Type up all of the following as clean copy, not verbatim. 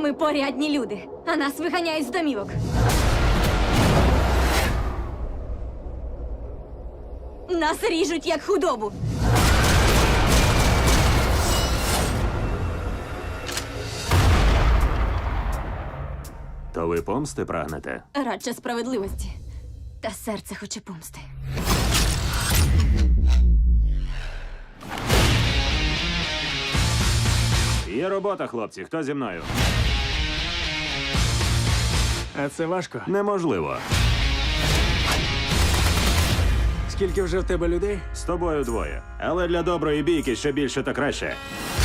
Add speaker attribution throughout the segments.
Speaker 1: Ми порядні люди, а нас виганяють з домівок. Нас ріжуть як худобу.
Speaker 2: То ви помсти прагнете?
Speaker 1: Радше справедливості. Та серце хоче помсти.
Speaker 2: Є робота, хлопці. Хто зі мною?
Speaker 3: А це важко.
Speaker 2: Неможливо.
Speaker 3: Скільки вже в тебе людей?
Speaker 2: З тобою двоє. Але для доброї бійки що більше, то краще.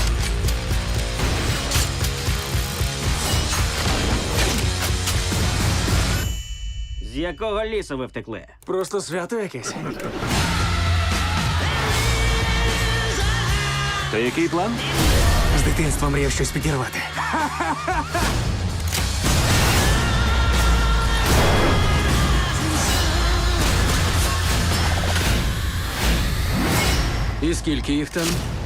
Speaker 4: З якого лісу ви втекли?
Speaker 3: Просто свято якесь.
Speaker 2: То який план?
Speaker 3: З дитинства мріяв щось підірвати. І скільки їх там?